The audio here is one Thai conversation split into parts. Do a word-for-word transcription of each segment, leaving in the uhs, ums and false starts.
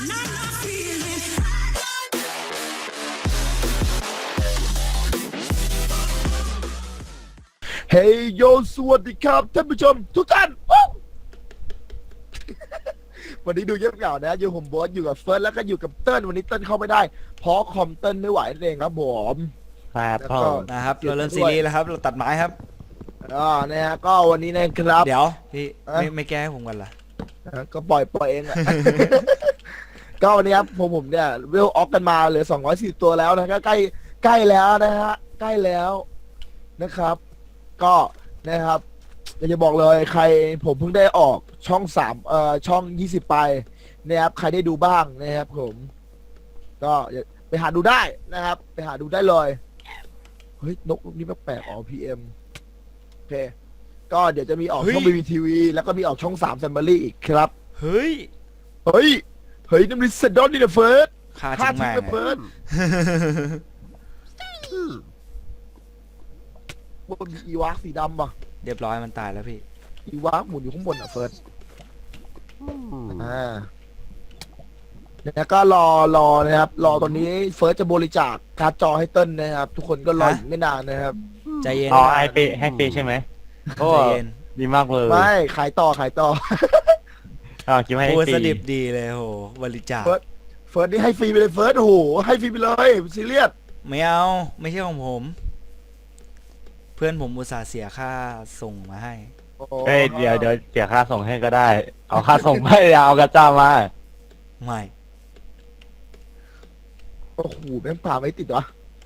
เฮ้ยโยสวัสดีครับท่านผู้ชมทุกท่าน วันนี้ดูเยอะเหงานะอยู่ผมบอสอยู่กับเฟิร์สแล้วก็อยู่กับเติ้ลวันนี้เติ้ลเข้าไม่ได้เพราะคอมเติ้ลไม่ไหวนั่นเองครับผมครับแล้วพ่อก็นะครับเราเริ่มซีรีส์แล้วครับเราตัดไม้ครับอ่านะฮะก็วันนี้นะครับเดี๋ยวพี่เอ๊ะไม่ไม่แก้ให้ผมกันล่ะอ่ะก็ปล่อยปล่อยเองแหละ ก็วันนี้ครับผมผมเนี่ยเวลออกกันมาเหลือสองร้อยสี่สิบตัวแล้วนะก็ใกล้ใกล้แล้วนะฮะใกล้แล้วนะครับ ก็นะครับอยากจะบอกเลยใครผมเพิ่งได้ออกช่องสามเอ่อช่องยี่สิบไปนะครับใครได้ดูบ้างนะครับผม ก็ไปหาดูได้นะครับ ไปหาดูได้เลยเฮ้ยนกลูกนี้แปลกๆอ๋อพีเอ็มโอเคก็เดี๋ยวจะมีออกช่องบีบีทีวีแล้วก็มีออกช่องสามแซมเบอรี่อีกครับเฮ้ยเฮ้ย เฮ้ยน้ำริสดอนนี่นะเฟิร์สฆ่าฆ่าทิ้งทิ้งแม่งนะเฟิร์สบนมีอีวากสีดำป่ะเรียบร้อยมันตายแล้วพี่อีวากหมุนอยู่ข้างบนอ่ะเฟิร์สอ่าแล้วก็รอรอนะครับ รอตอนนี้เฟิร์สจะบริจาคการ์ดจอให้เติ้ลนะครับ ทุกคนก็รออีกไม่นานนะครับใจเย็นอ๋อนะไอเปให้เปใช่ไหมโอ้ใจเย็นดีมากเลยไม่ขายต่อขายต่ออ๋อคิดว่าให้พูดปีสดิบดีเลยโหบริจาคเฟิร์ส เฟิร์สนี่ให้ฟรีไปเลยเฟิร์สโอ้โหให้ฟรีไปเลยซีเรียสไม่เอาไม่ใช่ของผม เพื่อนผมอุตส่าห์เสียค่าส่งมาให้โอ้โหเฮ้ยเดี๋ยวเดี๋ยวเสียค่าส่งให้ก็ได้ เอาค่าส่งไม่เอากระจ้ามาไม่โอ้โหแม่งป่าไม่ติดวะ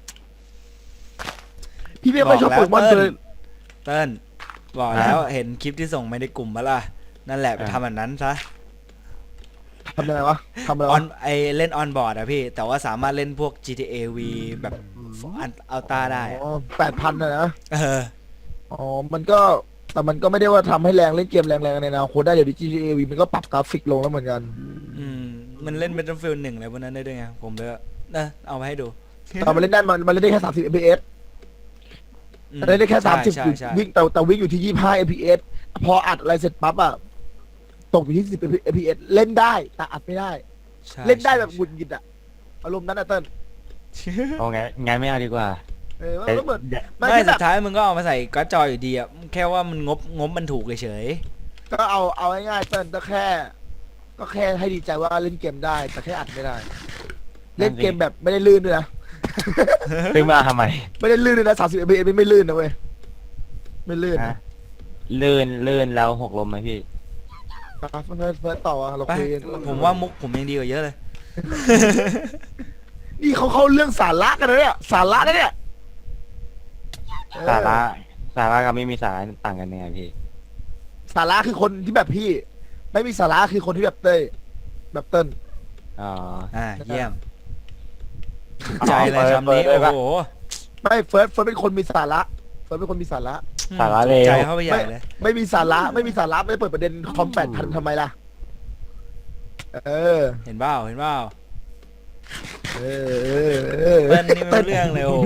พี่ไม่ค่อยชอบโปเกมอนเลยเติ้ลบอกแล้วเห็นคลิปที่ส่งไม่ได้กลุ่มปะล่ะนั่นแหละไปทำแบบนั้นซะทำอะไรวะทำอะไรออวะนไอเล่นออนบอร์ดอะพี่ แต่ว่าสามารถเล่นพวก จี ที เอ V แบบอันอัลต้าได้อะอ๋อแปดพันนะนะเอออ๋อ มันก็แต่มันก็ไม่ได้ว่าทำให้แรงเล่นเกมแรงๆในอนาคตได้เดี๋ยวดิ จี ที เอ วี มันก็ปรับกราฟิกลงแล้วเหมือนกันอืมมันเล่น Battlefield หนึ่งอะไรพวกนั้นได้ด้วยไงผมเลยนะเอามาให้ดูแต่มันเล่นได้มันมันเล่นได้แค่สามสิบ เอฟ พี เอสอืมเล่นได้แค่สามสิบใช่ใช่วิ่งแต่แต่วิ่งอยู่ที่ยี่สิบห้า เอฟ พี เอส พออัดอะไรเสร็จปั๊บอะตกอยู่ที่สิบ เอฟ พี เอส เล่นได้แต่อัดไม่ได้ใช่เล่นได้แบบหใช่งุดหงิดอะอารมณ์นั้นอะเติ้ลเอาไงงั้นไม่เอาดีกว่าเออมันก็เหมือนเดี๋ยวไม่ไม่แบสุบดท้ายมึงก็เอามาใส่การ์ดจออยู่ดีอะแค่ว่ามันงบงบมันถูกเฉยก็เอาเอาง่ายๆเติ้ลก็แค่ ก็แค่ให้ดีใจว่าเล่นเกมได้ แต่แค่อัดไม่ได้ เล่นเกมแบบไม่ได้ลื่นด้วยนะซื้อมาทำไมไม่ได้ลื่นเลยนะสามสิบ เอฟ พี เอส ไม่ลื่นนะเว้ยไม่ลื่นฮะนะลื่นลื่นแล้วหกลมไหมพี่ครับเฟิร์สเฟิร์สต่ออะเราๆไปคุยกันผมว่ามุกผมยังดีกว่าเยอะเลยนี่เขาเข้าเรื่องสาระกันนะเนี่ยสาระนะเนี่ยเออสาระสาระกับไม่มีสาระต่างกันยังไงพี่สาระคือคนที่แบบพี่ ไม่มีสาระคือคนที่แบบเต้ยแบบเติ้ลอ๋ออ่าเยี่ยมอ๋อใจเลยเปิดคำนี้เปิดเลยปะโอ้โหไม่เฟิร์สเฟิร์สเป็นคนมีสาระเฟิร์สเป็นคนมีสาระสาระเลวใจเข้าไปใหญ่เลยไม่มีสาระไม่มีสาระไม่เปิดประเด็นคอมแปดพันทำไมล่ะเออเห็นเปล่าเห็นเปล่าเออเออเออเติ้ลนี่ไม่รู้เรื่องเลยโอ้โห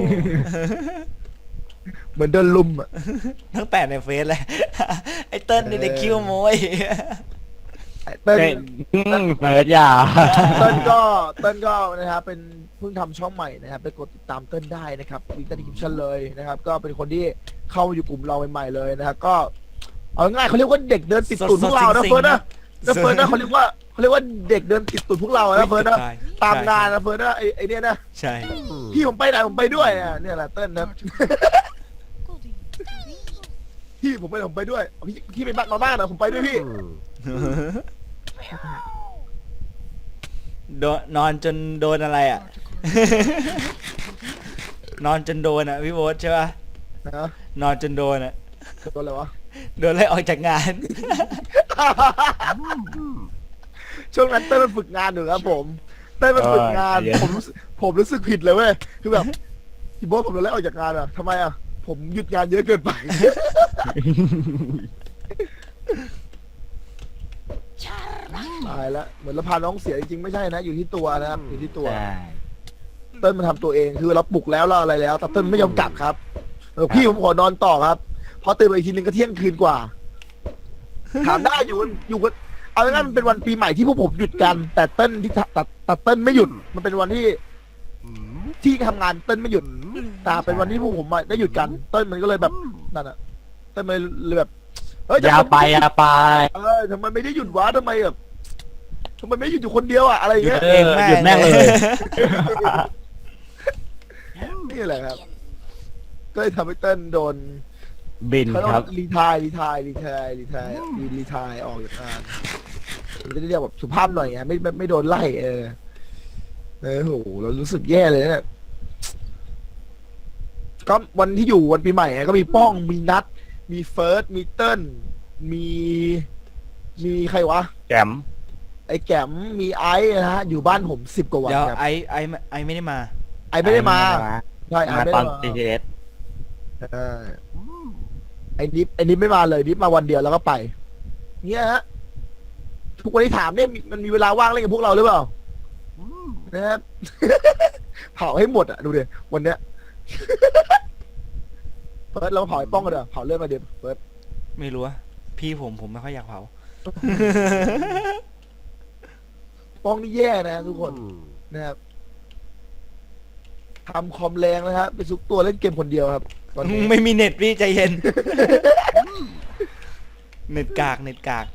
เหมือนเดินลุมอ่ะทั้งแปดในเฟซเลย ไอ้เติ้ลนี่เด็กคิ้วโมยเติ้ลเฮ้ยอืมเปิดอย่าเติ้ลก็เติ้ลก็นะครับเป็นเพิ่งทำช่องใหม่นะครับไปกดติดตามเติ้ลได้นะครับลิงก์ใต้ดีคริปชั่นเลยนะครับ ก็เป็นคนที่เข้ามาอยู่กลุ่มเราใหม่ๆเลยนะครับก็เอาง่ายเขาเรียกว่าเด็กเดินติดตูดพวกเรานะเฟิร์สนะนะเฟิร์สนะเขาเรียกว่าเขาเรียกว่าเด็กเดินติดตูดพวกเรานะเฟิร์สนะใช่ตามงานนะเฟิร์สนะไอไอเนี้ยนะใช่พี่ผมไปไหนผมไปด้วยอ่ะเนี่ยแหละเติ้ลนะ พี่ผมไปไหนผมไปด้วยพี่พี่ไปบ้านมาบ้านนะผมไปด้วยพี่โดนนอนจนโดนอะไรอ่ะ นอนจนโดนอ่ะพี่โบ๊ทใช่ป่ะนะนอนจนโดนอ่ะตัวอะไรวะโดนไล่ออกจากงานช่วงนั้นเต้ยมันฝึกงานอยู่ครับผมเต้ยมันฝึกงานเออเดี๋ยวผมรู้สึกผมรู้สึกผิดเลยเว้ยคือแบบพี่โบ๊ทผมโดนไล่ออกจากงานอ่ะทำไมอ่ะผมหยุดงานเยอะเกินไป ตายแล้วเหมือนเราพาน้องเสียจริงๆไม่ใช่นะอยู่ที่ตัวนะครับอยู่ที่ตัวใช่เต้นมันทำตัวเองคือเราปลุกแล้วเราอะไรแล้วแต่เต้นไม่ยอมกลับครับเออพี่ผมขอนอนต่อครับพอตื่นมาอีกทีนึงก็เที่ยงคืนกว่า ถามได้อยู่กันอยู่กันเอเอาง่ายๆมันเป็นวันปีใหม่ที่พวกผมหยุดกัน แต่เต้นที่ตัดตัดเต้นไม่หยุด มันเป็นวันที่ที่ทำงานเต้นไม่หยุดแต่เป็นวันที่พวกผมอะได้หยุดกัน เต้นมันก็เลยแบบนั่นอะเต้นมันเลยแบบเฮ้ยอย่าไปอย่าไปเออทำไมไม่ได้หยุดวะทำไมแบบทำไมไม่หยุดอยู่คนเดียวอะอะไรอย่างหยุดเงี้ยเอเองอแม่หยุดแม่งเลยนี่แหละครับ ก็เลยทำให้เต้นโดนบินเขาต้องครับรีทายรีทายรีทายรีทายรีรีทายออกจากงานมันจะได้เรียกแบบสุภาพหน่อยไงไม่ไม่ไม่โดนไล่เออเออโหเรารู้สึกแย่เลยเนี่ยก็วันที่อยู่วันปีใหม่ไงก็มีป้องมีนัด มีเฟิร์สมีเติ้ลมี มีใครวะแจมไอ้แก้มมีไอซ์นะฮะอยู่บ้านผมสิบกว่าวันเดี๋ยวครับไอไอไอไม่ได้มาไอซ์ไม่ได้มาใช่ไอมาซ์ไม่ตอได้นมาทีเอสเออไอ้นิฟไอ้นิฟไม่มาเลยนิฟมาวันเดียวแล้วก็ไป เนี่ยฮะทุกวันที่ถามเนี่ยมีมันมีเวลาว่างเล่นกับพวกเราหรือเปล่านะครับ เผาให้หมดอ่ะดูดิวันเนี้ย เฟิร์สเราเผาไอ้ป้องกันเถอะเผาเลือดมาเดี๋ยวเฟิร์สไม่รู้อะพี่ผมผมไม่ค่อยอยากเผาป้องนี่แย่นะทุกคนนะครับทำคอมแรงนะครับไปซุกตัวเล่นเกมคนเดียวครับตอนนี้ไม่มีเน็ตพี่ใจเย็น เน็ตกากเน็ตกาก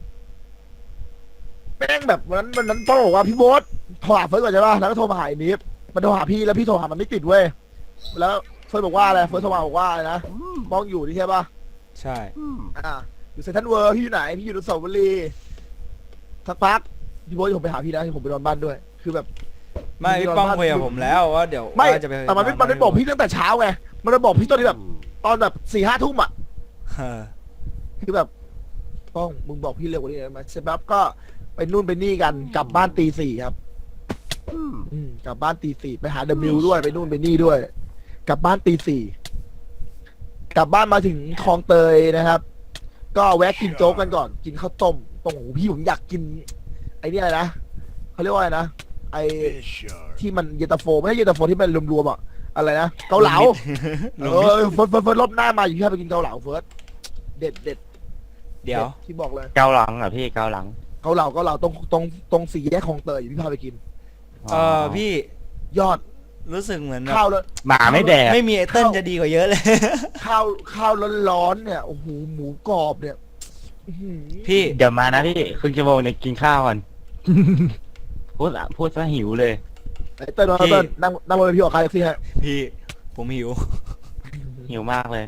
แม่งแบบวันนั้นวันนั้นป้องบอกว่าพี่โบ๊ทโทรหาเฟิร์สก่อนใช่ป่ะแล้วก็โทรมาหาไอ้นิฟมันโทรหาพี่แล้วพี่โทรหามันไม่ติดเว้ยแล้วเฟิร์สบอกว่าอะไรเฟิร์สโทรมาบอกว่าอะไรนะป้องอยู่นี่ใช่ป่ะใช่อ่าอยู่เซนทรัลเวิร์พี่อยู่ไหนพี่อยู่อนุสาวรีย์สักพักพี่โบ๊ทผมไปหาพี่นะผมไปนอนบ้านด้วย คือแบบไม่พี่ป้องคุยกับผมแล้วว่าเดี๋ยวไม่ว่าจะไปแต่มันไม่มันไม่บอกพี่ตั้งแต่เช้าไงมันจะบอกพี่ตอนที่แบบ ตอนแบบสี่ห้าทุ่มอ่ะเออคือแบบป้องมึงบอกพี่เร็วกว่านี้ได้ไหมเสร็จปั๊บก็ไปนู่นไปนี่กันกลับบ้านตีสี่ครับอืมกลับบ้านตีสี่ไปหาเดอะมิวด้วยไปนู่นไปนี่ด้วย กลับบ้านตีสี่กลับบ้านมาถึงคลองเตยนะครับ ก็แวะกินโจ๊กกันก่อน กินข้าวต้มตรงหูพี่ผมอยากกิน ไอ้นี่อะไรนะเขาเรียกว่าอะไรนะไอ้ที่มันเย็นตาโฟไม่ใช่เย็นตาโฟที่มันรวมๆอ่ะอะไรนะเกาเหลาลุเองนิดอเฟิร์สเฟิร์สเฟิร์สรอบหน้ามาอยู่ที่ไปกินเกาเหลาเฟิร์สเด็ดเด็ดเดี๋ยวที่บอกเลยเกาหลังเหรอ่ะพี่เกาหลังเกาเหลาเกาเหลาตรงตรงตรงสี่แยกคลองเตยอยู่พี่พาไปกินเออพี่ยอดรู้สึกเหมือนแบบข้าวแล้วหมาไม่แดกไม่มีไอเติ้ลจะดีกว่าเยอะเลยข้าวข้าวร้อนๆเนี่ยโอ้โหหมูกรอบเนี่ยอื้อหือพี่เดี๋ยวมานะพี่ครึ่งชั่วโมงเนี่ยกินข้าวก่อน พูดอะพูดซะหิวเลยไอ้เติ้ลมาเติ้ลนั่งนั่งบนพี่ออกคาแท็กซี่ฮะพี่ผมหิวหิวมากเลย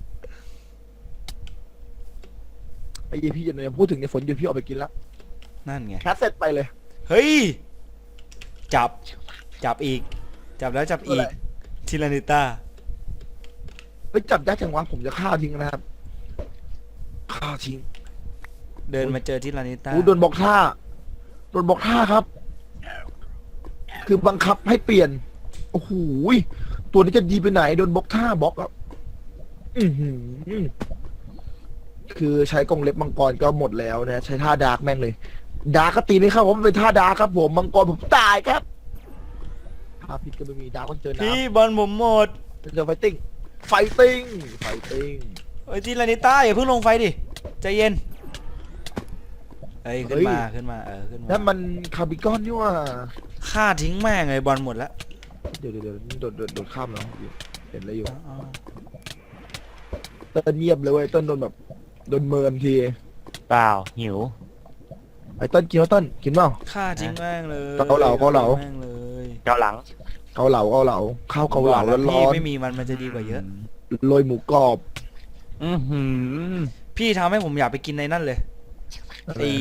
ไอ้ยี่พี่อย่าพูดถึงในฝนหยุดพี่ออกไปกินแล้วนั่นไงแคสเสร็จไปเลยเฮ้ย จับ จับอีก จับแล้วจับอีกอะไรทิลานิต้าเฮ้ยจับยากจังวะผมจะฆ่าทิ้งนะครับฆ่าทิ้งเดินมาเจอทิลานิต้าโอ้โดนบอกท่าโดนบอกท่าครับ คือบังคับให้เปลี่ยนโอ้โหยตัวนี้จะดีไปไหนโดนบล็อกท่าบล็อกครับอือหือคือใช้กรงเล็บมังกรก็หมดแล้วนะ ใช้ท่าดาร์กแม่งเลย ดาร์กก็ตีไม่เข้าเพราะมันเป็นท่าดาร์กครับ ผมมังกรผมตายครับท่าพิษก็ไม่มีดาร์กต้องเจอน้พี่บอลผมหมดำเจอไฟติ้งไฟติ้งไฟติ้งเอ้ยทิลานิต้าอย่าเพิ่งลงไฟดิ ใจเย็น เอ้ยขึ้นมาขึ้นมาเออขึ้นมานั่นมันคาร์บิกอนนี่ว่าฆ่าทิ้งแม่งเลยบอลหมดแล้วเดี๋ยวเดี๋ยวเดี๋ยวโดดโดดโดดข้ามแล้วเห็นอะไรอยู่อ๋อเต้นเงียบเลยเว้ยเต้นโดนแบบโดนเมินทีเปล่าหิวไอ้เต้นกินว่าเต้นกินเปล่าฆ่าทิ้งแม่งเลยเกาเหลาเกาเหลาแม่งเลยเกาหลังเกาเหลาเกาเหลาข้าวเกาเหลาบอกแล้วร้พี่อนไม่มีมันมันจะดีกว่าเยอะๆโรยหมูกรอบอือหือพี่ทำให้ผมอยากไปกินในนั่นเลยไอ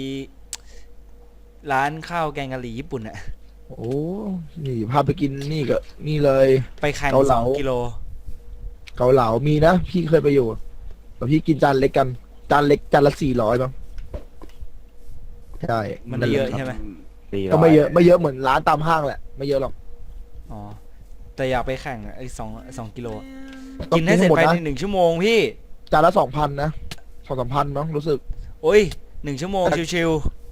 ร้านข้าวแกงกะหรี่ญี่ปุ่นอะโอ้นี่พาไปกินนี่ก็นี่เลยไปแข่งเกาเหสลาองกิโลเกาเหลามีนะพี่เคยไปอยู่แต่พี่กินจานเล็กกันจานเล็กจานละสี่ร้อยบ้างใช่มันไม่เยอะใช่ไหมสี่ร้ก็ไม่เยอะไม่เยอะเหมือนร้านตามห้างแหละไม่เยอะหรอกอ๋อแต่อยากไปแข่งไอ้สองสองกิโลอะต้องกินให้เสร็จมดภายนะในหนึ่งชั่วโมงพี่จานละสองพันนะสองสามพันมั้งรู้สึกโอ้ยหนึ่งชั่วโมงชิว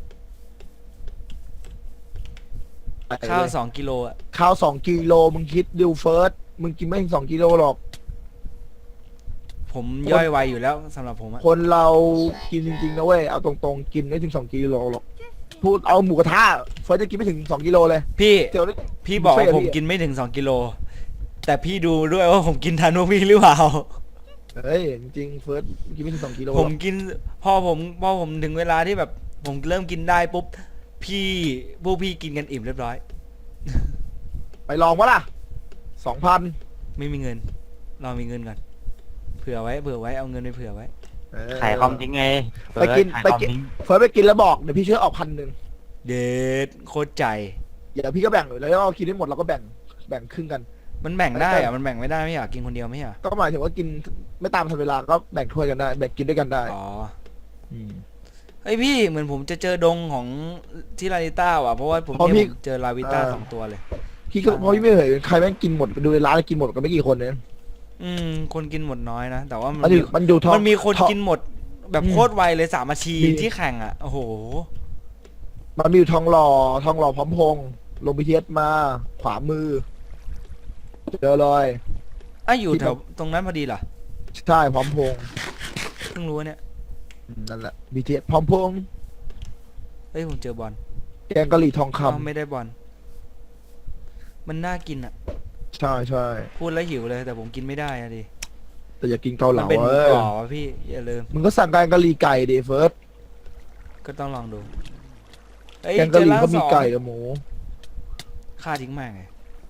ๆข้าวสองกิโลอะข้าวสองกิโลมึงคิดดิวเฟิร์สมึงกินไม่ถึงสองกิโลหรอกผมย่อยไวอยู่แล้วสำหรับผมอะคนเรากินจริงๆนะเว้ยเอาตรงๆกินไม่ถึงสองกิโลหรอกพูดเอาหมูกระทะเฟิร์สจะกินไม่ถึงสองกิโลเลยพี่เดี๋ยวนี้พี่บอกว่าบุฟเฟ่ต์ผมพี่กินไม่ถึงสองกิโลแต่พี่ดูด้วยว่าผมกินทันพวกพี่หรือเปล่าเฮ้ยจริงๆเฟิร์สกินไม่ถึงสองกิโลหรผอกมกินพอผมพอผมถึงเวลาที่แบบ ผมเริ่มกินได้ปุ๊บพี่พวกพี่กินกันอิ่มเรียบร้อยไปลองวะล่ะสองพันไม่มีเงินเรามีเงินก่อนเผื่อไว้เผื่อไว้เอาเงินไปเผื่อไว้ขายคอมทิ้งไงไปกินขายไปคอมกินทิ้งเฟิร์สไปกินแล้วบอกเดี๋ยวพี่ช่วยออกพันหนึ่งเดดโคตรใจเดี๋ยวพี่ก็แบ่งเลยแล้วก็กินได้หมดเราก็แบ่งแบ่งครึ่งกันมันแบ่งได้อะมันแบ่งไม่ได้ไม่อยากกินคนเดียวไม่อยากก็หมายถึงว่ากินไม่ตามทันเวลาก็แบ่งถ้วยกันได้แบ่งกินด้วยกันได้อ๋อมเฮ้ยพี่เหมือนผมจะเจอดงของที่ลาวิต้าว่ะเพราะว่าผมเพราะเนี่ยพี่ผมเจอลาวิต้าเออสองตัวเลยพี่ก็เพราะพี่ไม่เคยเห็นใครแม่งกินหมดดูในร้านกินหมดกันไม่กี่คนเนี่ยอืมคนกินหมดน้อยนะแต่ว่ามันมันอยู่มันอยู่ท้องมันมีคนท้องกินหมดแบบอืมโคตรไวเลยสามนาทีมีที่แข่งอ่ะโอ้โหมันมีอยู่ทองหล่อทองหล่อพร้อมพงษ์ลงบีทีเอสมาขวามือเจอเลยอ่ะอยู่ที่แถวแบบตรงนั้นพอดีเหรอใช่พร้อมพงษ์เพิ่งรู้เนี่ยอืมนั่นแหละบีทีเอสพร้อมพงษ์เฮ้ยผมเจอบอลแกงกะหรี่ทองคอ้าวไม่ได้บอลมันน่ากินอ่ะำใช่ใช่พูดแล้วหิวเลยแต่ผมกินไม่ได้อะดิแต่อย่ากินเกาเหมันลาเป็นหมูเอ้ยกรอบอะพี่อย่าลืมมึงก็สั่งแกงกะหรี่ไก่ดิเฟิร์สก็ต้องลองดูเฮ้ยแกงเจกะอหรี่ร้านก็สมีองไก่กับหมูฆ่าทิ้งแม่งไง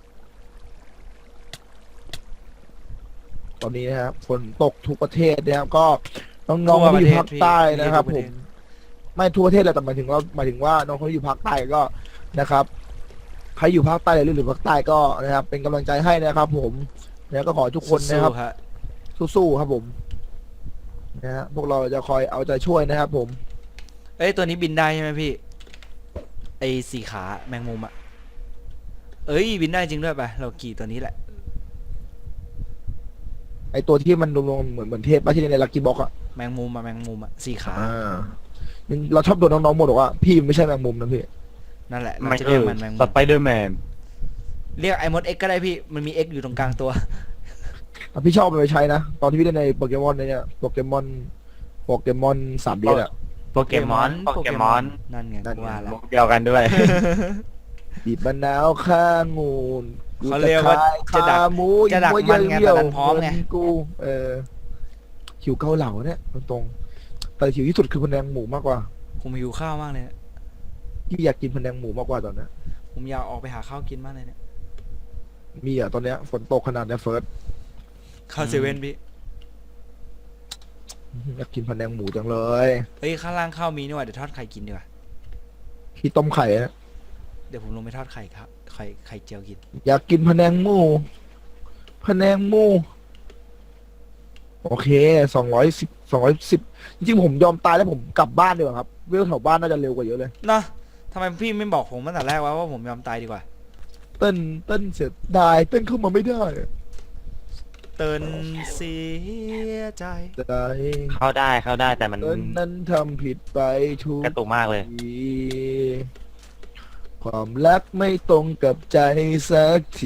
ตอนนี้นะครับฝนตกทุกประเทศนะครับก็น้องๆที่อยู่ภาคใต้นะครับผมไม่ทั่วประเทศแหละแต่หมายถึงว่าหมายถึงว่าน้องคนที่อยู่ภาคใต้ก็นะครับใครอยู่ภาคใต้หรือหรือภาคใต้ก็นะครับ เป็นกำลังใจให้นะครับ ผมแล้วก็ขอให้ทุกคนนะครับสู้ๆฮะสู้ๆครับผมนะฮะพวกเราจะคอยเอาใจช่วยนะครับ ผมเอ้ยตัวนี้บินได้ใช่ไหมพี่ไอสีขาแมงมุมอะเอ้ยบินได้จริงด้วยไปเราขี่ตัวนี้แหละไอตัวที่มันลงๆเหมือนเหมือนเทพป้าที่ในลักกี้บ็อกอะแมงมุมอะแมงมุมอะสีขาอ่าเราชอบโดนน้องๆหมดบอกว่าพี่ไม่ใช่แมงมุมนะพี่นั่นแหละเราไม่จะใช่เรียกมันแมงมุสมไปเดอร์แมนเรียกไอมดเอ็กก็ได้พี่มันมีเอ็กอยู่ตรงกลางตัวอ่ะพี่ชอบไปใช้นะ ตอนที่พี่เล่นในโปเกมอนเนี่ยโปเกมอนโปเกมอนสามเดือนอะโปเกมอนโปเกมอนนั่นไงนั่นกูไงว่าแล้วมุกเดียวกันด้วยบีบมะนาวข้างงูนเขาเรียกว่าจะดักขาหมูจะดักมันไงเยี่ยวแต่ดันพร้อมไงเหนกู เออหิวเกาเหลาเนี่ยตรงๆแต่หิวที่สุดคือพะแนงหมูมากกว่าผมหิวข้าวมากเลยเนี่ยพี่อยากกินพะแนงหมูมากกว่าตอนเนี้ยผมอยากออกไปหาข้าวกินมากเลยเนี่ยมีอ่ะตอนเนี้ยฝนตกขนาดเนี้ยเฟิร์สข้าวเซเว่นพี่อยากกินพะแนงหมูจังเลยเฮ้ยข้างล่างข้าวมีนี่หว่าเดี๋ยวทอดไข่กินดีกว่าพี่ต้มไข่อะเดี๋ยวผมลงไปทอดไข่ครับไข่ไข่เจียวกินอยากกินพะแนงหมูพะแนงหมูโอเคสองร้อยสิบสองร้อยสิบจริงๆผมยอมตายแล้วผมกลับบ้านดีกว่าครับเวลแถวบ้านน่าจะเร็วกว่าเยอะเลยเนาะทำไมพี่ไม่บอกผมตั้งแต่แรกวะว่าผมยอมตายดีกว่าเต้นเต้นเสียดายเต้นเข้ามาไม่ได้เตือนเสียใจใจเข้าได้เข้าได้แต่มันเต้นนั้นทำผิดไปทุกกระตุกมากเลยทีความรักไม่ตรงกับใจสักที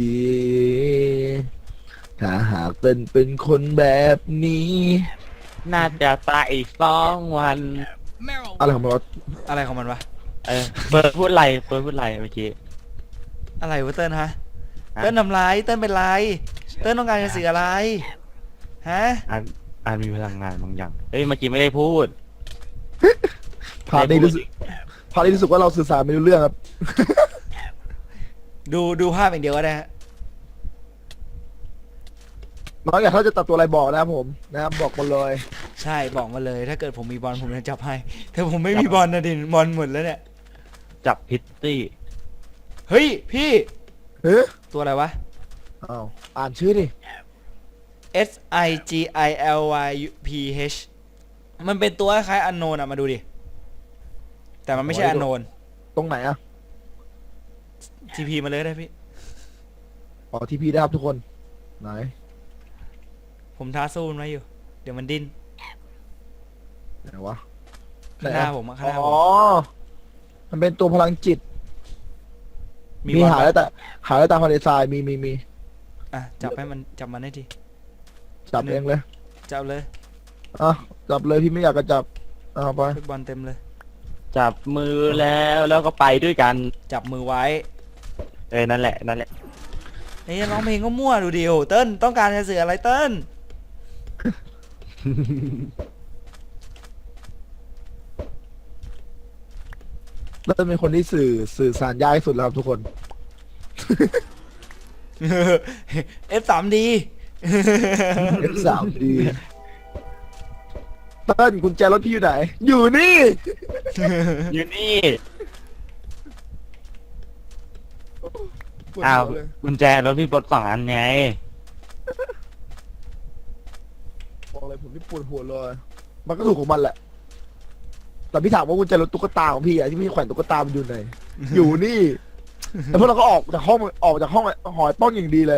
ถ้าหากเต้นเป็นคนแบบนี้น่าจะตายอีกสองวันอะไรของมันวะอะไรของมันวะเออเบิร์ดพูดไรเบิร์ดพูดไรเมื่อกี้อะไรวะเติ้ลฮะฮะเติ้ลทำไรเติ้ลเป็นไรเติ้ลต้องการจะสื่ออะไรฮะอ่านอ่านมีพลังงานบางอย่างเฮ้ยเมื่อกี้ไม่ได้พูดพาร์ทนี้รู้สึกพาร์ทนี้รู้สึกว่าเราสื่อสารไม่รู้เรื่องครับดูดูภาพอย่างเดียวก็ได้ฮะน้องอยากถ้าจะตัดตัวอะไรบอกนะครับผมนะครับบอกมาเลยใช่บอกมาเลย ถ้าเกิดผมมีบอลผมจะจับให้แต่ผมไม่มีบอลนะดิบอลหมดแล้วเนี่ยจับพิตตี้เฮ้ยพี่เฮ้ยตัวอะไรวะอ้าวอ่านชื่อดิ S I G I L Y P H มันเป็นตัวคล้ายอันโนนอะมาดูดิ แต่มันไม่ใช่โอ้ยอันโนนตรงไหนอะทีพีมาเลยได้พี่อ๋อทีพีได้ครับทุกคนไหนผมท้าสู้มันไว้อยู่ เดี๋ยวมันดิ้นไหนวะข้างหน้าผมอะข้างหน้าผอ๋อมมันเป็นตัวพลังจิต มีบอลหาปะแล้วแต่หาแล้วตามทะเลทรายมีมีมีอ่ะจับให้มันจับมันได้ทีจับเองเลยจับเลยอ่ะจับเลยพี่ไม่อยากจะจับเอาไปฟุตบอลเต็มเลยจับมือแล้วแล้วก็ไปด้วยกันจับมือไว้เออนั่นแหละนั่นแหละไอ้ยร้องเพลงก็มั่วดูดิโอเติ้ลต้องการจะสื่ออะไรเติ้ลเริ่มเป็นคนที่สื่อสื่อสารยากที่สุดแล้วครับทุกคนเอฟสามดีเอฟสามดีเติ้ลกุญแจรถพี่อยู่ไหน อยู่นี่อยู่นี่ปวดอ้าวหัวเลยกุญแจรถพี่ปลดสองอันไงบอกเลยผมนี่ปวดหัวเลย มันก็ถูกของมันแหละ แต่พี่ถามว่ากุญแจรถตุ๊กตาของพี่อะที่พี่แขวนตุ๊กตามันอยู่ไหน อยู่นี่แล้วพวกเราก็ออกจากห้องออกจากห้องหอยป้องอย่างดีเลย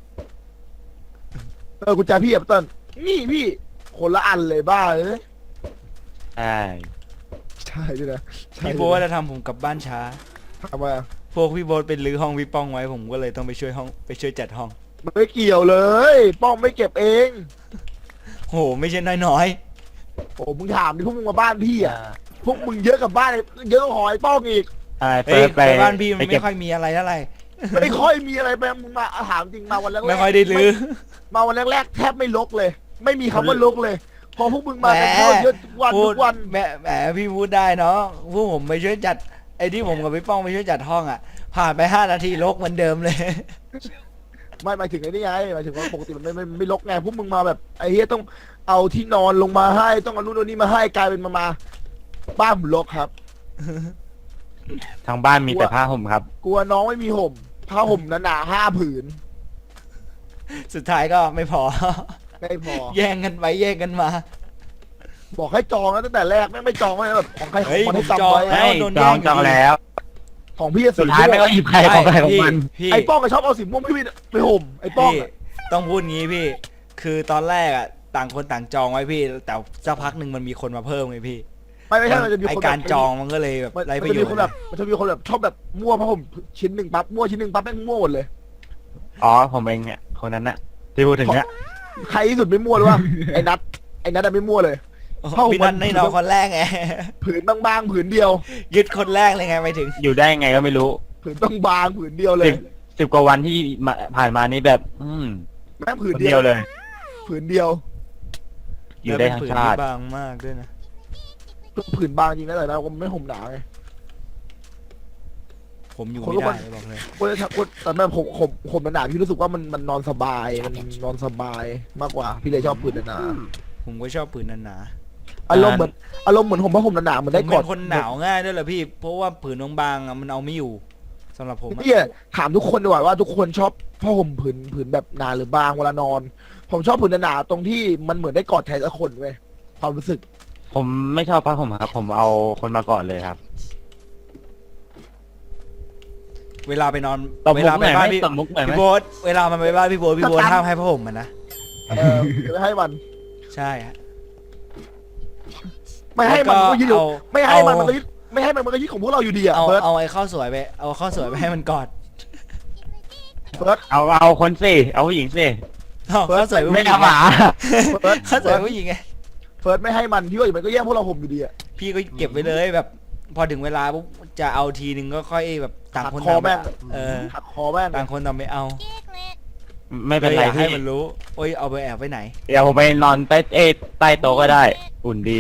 เออกุญแจพี่อะเติ้ลนี่พี่คนละอันเลยบ้าเลยใช่ใช่ด้วยนะใช่พี่ด้วยนะโบ๊ทจะทำผมกลับบ้านช้าทำไมอะพวกพี่โบ๊ทเป็นรื้อห้องพี่ป้องไว้ผมก็เลยต้องไปช่วยห้องไปช่วยจัดห้องมันไม่เกี่ยวเลย ป้องไม่เก็บเองโหไม่ใช่น้อยโอ้มึงถามดิพวกมึงมาบ้านพี่อ่ะ พวกมึงเยอะกับบ้านเยอะกว่าหอยป้องอีกใช่ๆเฟิเฮ้ยร์สไปไปบ้านพี่มันไปเก็ไม่บค่อยมีอะไรเท่าไหร่ไม่ค่อยมีอะไรไปมึงมาถามจริงมาวันแรกๆไม่ค่อยได้รื้อมาวันแรกๆแทบไม่ลกเลย ไม่มีคำว่าลกเลย พอพวกมึงมากันแหมเข้าเยอะทุกวันพูทุดกวันแหมแหมพี่พูดได้เนาะพวกผมไปช่วยจัดไอ้ที่ผมกับพี่ป้องไปช่วยจัดห้องอ่ะ ผ่านไปห้านาทีลกเหมือนเดิมเลยไม่หมายถึงไอ้นี่ไงหมายถึงว่าปกติมันไม่ไม่ไม่ลกไงพวกมึงมาแบบไอ้เฮียต้องเอาที่นอนลงมาให้ต้องเอานู่นเอานี่มาให้กลายเป็นมามาบ้านผมลกครับทางบ้านมีแต่ผ้าห่มครับกลัวน้องไม่มีห่มผ้าห่มหนาๆห้าผืนสุดท้ายก็ไม่พอไม่พอแย่งกันไปแย่งกันมาบอกให้จองแล้วตั้งแต่แรกแม่งไม่จองไม่แบบของใครขอเฮ้งยมันให้ผมจจำองไว้แล้วให้โดนจแย่องงอยู่จองดีแล้วของพี่อะสุสีดท้ายม่ไม่วก็งหยิบใครของใครของมันพี่ไอ้ป้องก็ชอบเอาสีม่วงพี่ไปห่มไอ้ป้องพี่อะต้องพูดงี้พี่ คือตอนแรกอ่ะต่างคนต่างจองไว้พี่ แต่สักพักหนึ่งมันมีคนมาเพิ่มไงพี่ไม่ไม่ใช่มันจะมีไอคนการแบบจองมันก็เลยแบบมันไรปมันระโยจะมีชคนน์แบบมันจะมีคนแบบชอบแบบมั่วผ้าห่มชิ้นหนึ่งปั๊บมั่วชิ้นหนึ่งปั๊บแม่งมั่วหมดเลยอ๋อผมเองเนี่ยคนนั้นน่ะที่พูดถึงเนี่ยใครที่สุดไม่มั่วหรือว่า ไอ้นัทไอ้นัทอะไม่มั่วเลย เข้าพี่นันให้น้องคนแรกไงผืนบางๆผืนเดียวยึดคนแรกเลยไงไปถึงอยู่ได้ไงก็ไม่รู้ผืนบางๆผืนเดียวเลสิยบสิบกว่าวันที่มาผ่านมานี่แบบ อืมแม่งผืคน นเดีเดียยว วเลยผืนเดียวอยู่ได้ทั้งชาติแล้วเป็นผืนที่บางมากด้วยนะผืนบางจริงนะแต่เราไม่ห่มหนาไงผมอยู่คนไม่ก็ได้ว่าบอกเลยคนจะคนแต่แม่ผมผมผมหนาๆพี่รู้สึกว่ามันมันนอนสบายมันนอนสบายมากกว่า พี่เลยชอบผืนหนาผมก็ชอบผืนหนาๆอารมณ์เหมือนอารมณ์เหมือนผมผ้าห่มหนาๆเหมือนๆผได้มกเป็อดนคนหนาวง่ายด้วยแหละพี่ เพราะว่าผืนบางๆอะมันเอาไม่อยู่สำหรับผมอะพี่ถามทุกคนดีกว่าว่าทุกคนชอบผ้าห่มผืนผืนแบบหนาหรือบางเวลานอน ผมชอบผืนหนาๆตรงที่มันเหมือนได้กอดใครสักคนเว้ยความรู้สึกผมไม่ชอบผ้าห่มครับ ผมเอาคนมาก่อนเลยครับเวลาไปนอนตบเวมุกลาหไปน่อยไหมบ้านพี่ตบมุกหน่อยไหมพี่โบ๊ทเวลามันไปบ้านพี่โบ๊ทพี่โบ๊ทกระตันห้ามให้ผ้าห่มมันนะเออไม่ให้มันใช่ฮะไม่ให้มันมันก็ยึดอยู่เอาไม่ให้มันเอามันก็ยึดไม่ให้มันมันก็ยึดของพวกเราอยู่ดีอะเอาเฟิร์สเอาไอ้ข้าวสวยไปเอาข้าวสวยไปให้มันกอดเฟิร์สเอาเอาคนสิเอาผู้หญิงสิเอาเฟิร์สข้าวสวยผู้หไม่ญิงเอาหมาเฟิร์สข้าวสวยผู้หญิงไงเฟิร์สไม่ให้มันพี่ว่าอยู่มันก็แย่งพวกเราห่มอยู่ดีอะพี่ก็เก็บไว้เลยแบบ พอถึงเวลาปุ๊บจะเอาทีนึงก็ค่อยแบบต่างคนหักคอต่างแม่งเออหักคอแม่งต่างคนต่างไม่เอาไม่เป็นไรลยอยากให้พี่มันรู้โอ้ยเอาไปแอบไว้ไหนเดี๋ยวผมไปนอนใต้เอยใต้โต๊ะก็ได้ อุ่นดี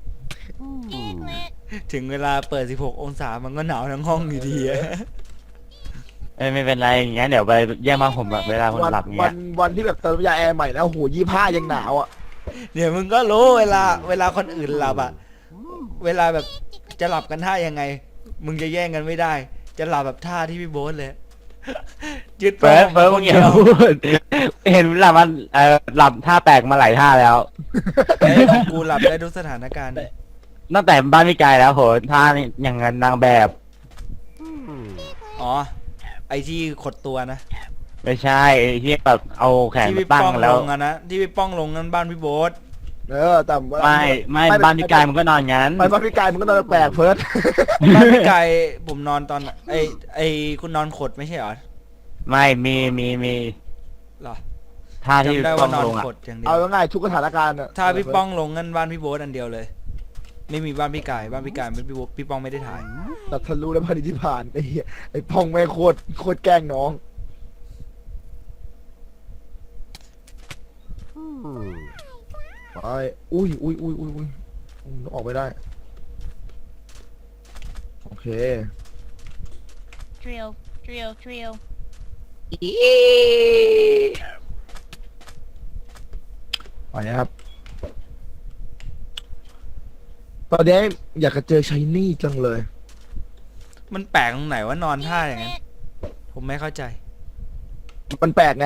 ถึงเวลาเปิดสิบหกองศามันก็หนาวทั้งห้องอยู่ดีอะเอ้ยไม่เป็นไรอย่างงั้นเดี๋ยวไปแย่งผ้าห่มแบบเวลาคนวันหลับวัเงี้ยนวันที่แบบเติมยาแอร์ใหม่แล้วโหยี่ห้ายังหนาวอะเดี๋ยวมึงก็รู้เวลาเวลาคนอื่นหลับอะเวลาแบบจะหลับกันท่ายังไง มึงจะแย่งกันไม่ได้ จะหลับแบบท่าที่พี่โบ๊ทเลย ยึดเฟิร์สผ้าเฟิร์สห่มึมงคอน ย่าเดียวพูดเห็นหลับมันเอ่อหลับท่าแปลกมาหลายท่าแล้วเฮ้ยของกูหลับได้ทุกสถานการณ์ตั้งแต่บ้านพี่กายแล้วโหท่านี่อย่างนั้นนางแบบอ๋อไอที่ขดตัวนะไม่ใช่ไอ้ที่แบบเอาแขนที่มาพี่ตั้งป้องแล้ลวงอะนะที่พี่ป้องลงนั้นบ้านพี่โบ๊ทเออแต่ว่าไม่ไม่บ้านพี่กายมันก็นอนงั้นไปบ้านพี่กายมันก็นอนแปลกเฟิร์สบ้านพี่ไก่ผมนอนตอนไอไอคุณนอนขดไม่ใช่เหรอไม่มีมีมีเหรอท่าที่จำได้ป้ว่าองนอนลงอ่ะกดอย่างเดียเอาวง่ายๆทุกสถานการณ์อะถ้าพี่ป้องลงงั้นบ้านพี่โบ๊ทอันเดียวเลย ไม่มีบ้านพี่กายบ้านพี่กายพี่โบ๊ทพี่ป้องไม่ได้ถ่ายตัดทะลุแล้วพันที่ผ่านไอ้เหี้ยไอ้พองแม่งโคตรโคตรแกล้งน้องไปอุ้ยอุ้ยอุ้ยอุ้ยอุ้ยอุ้ยออกไม่ได้โอเค Drill, drill, drill. ไปนะครับตอนนี้อยากจะเจอชายนี่จังเลยมันแปลกตรงไหนว่านอนท่าอย่างนั้น ผมไม่เข้าใจมันแปลกไง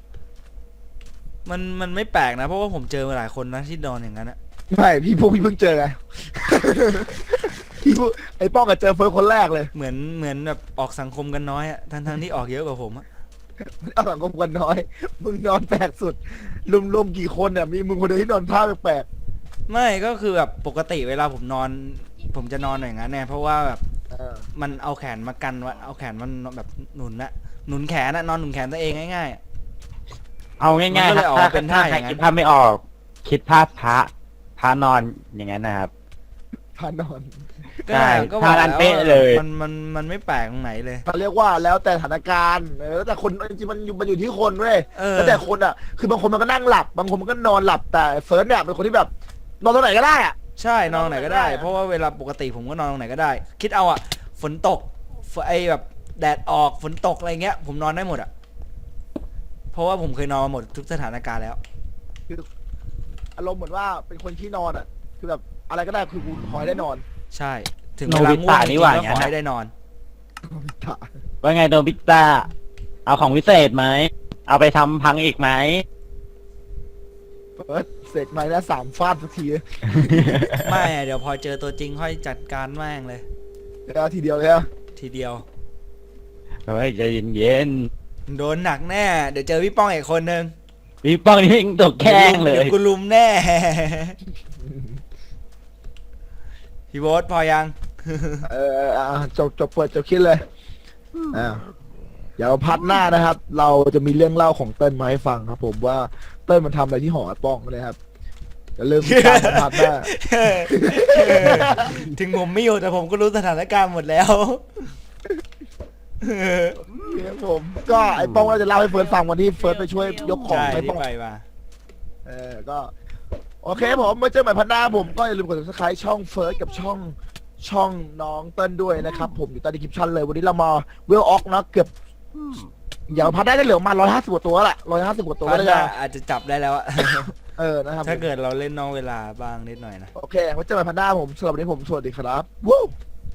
มันมันไม่แปลกนะ เพราะว่าผมเจอมาหลายคนนะที่นอนอย่างนั้นอะไม่พี่พวกพี่เพิ่งเจอไง พี่พวกไอ้ป้องก็เจอเฟิร์สคนแรกเลยเหมือนเหมือนแบบออกสังคมกันน้อยอะทั้งทั้งที่ออกเยอะกว่าผมอะเอาสังคมกันน้อย มึงนอนแปลกสุดรวมๆกี่คนเนี่ยมีมึงคนเดียวที่นอนท่าแปลกไม่ก็คือแบบปกติเวลาผมนอน ผมจะนอนอย่างนั้นเนี่ยเพราะว่าแบบๆเออมันเอาแขนมากันไว้เอาแขนมันแบบหนุนนะหนุนแขนนะนอนหนุนแขนตัวเองง่ายๆอะเอาง่ายมันก็ๆเลยออกถ้ามาเป็นท่าอย่างนั้นคิดภาพไม่ออก คิดภาพพระพระนอนอย่างนั้นนะครับพานอนก็ใช่ก็บอกท่านั้นแล้วเป๊ะเลยมันมันมันไม่แปลกตรงไหนเลยเขาเรียกว่าแล้วแต่สถานการณ์เออแล้วแต่คนจริงๆมันอยู่มันอยู่ที่คนเว้ยเออแล้วแต่คนอ่ะ คือบางคนมันก็นั่งหลับบางคนมันก็นอนหลับแต่เฟิร์สเนี่ยเป็นคนที่แบบนอนตรงไหนก็ได้อ่ะใช่นอนตรงไหนก็ได้นอนตรงไหนก็ได้เพราะว่าเวลาปกติผมก็นอนตรงไหนก็ได้ คิดเอาอะฝนตกฝนไอแบบแดดออกฝนตกอะไรเงี้ย ผมนอนได้หมดอะเพราะว่าผมเคยนอนมาหมดทุกสถานการณ์แล้วอารมณ์เหมือนว่าเป็นคนที่นอนอ่ะ คือแบบอะไรก็ได้คือกูขอให้ได้นอนใช่ ถึงโนเวลาบิง่วตะงจนี่ริงหว่าๆก็อย่างขนั้อน ให้ได้นอนว่าไงโดนพิตาเอาของวิเศษไหม เอาไปทำพังอีกไหมเฟิร์สเสร็จไหมนะสามฟาดสักทีไม่อะเดี๋ยวพอเจอตัวจริงค่อยจัดการแม่งเลยแล้วทีเดียวเลยอะทีเดียวเฮ้ยใจเย็นโดนหนักแน่ เดี๋ยวเจอพี่ป้องอีกคนนึงๆพี่ป้องนี่ตกแข้งเลยดี๋วกูลุมแน่ พี่โบ๊ทพอยังเอออ่ะจบจบเปิดจบคิดเลยอ่าเดี๋ยวพัดหน้านะครับ เราจะมีเรื่องเล่าของเติ้ลมาให้ฟังครับ ผมว่าเติ้ลมันทำอะไรที่หอป้องนะครับจะเริ่มติดตามพัดหน้าถึงผมไม่อยู่แต่ผมก็รู้สถานการณ์หมดแล้วครับผมก็ไอ้ป้องเราจะเล่าให้เฟิร์สฟังวันที่เฟิร์สไปช่วยยกของใช่ให้ที่ป้องไปมาเออก็ โอเคผมมาเจอใหม่พันหน้าผมก็อย่าลืมกด subscribe ช่องเฟิร์สกับช่องช่องน้องเติ้ลด้วยนะครับ ผมอยู่ใต้ดีคริปชั่นเลยวันนี้เรามาเวลออกนะเกือบอย่างพันได้ได้เหลือประมาร้อยห้าสิบกว่าตัวแหละร้อยห้าสิบกว่าตัวพัแล้วนจะน่ะอาจจะจับได้แล้วอะเออนะครับถ้าเกิดเราเล่นนอกเวลาบ้างนิดหน่อยนะโอเคไว้เจอกันพันหน้าผมสำหรับวันนี้ผมสวัสดีครับวู้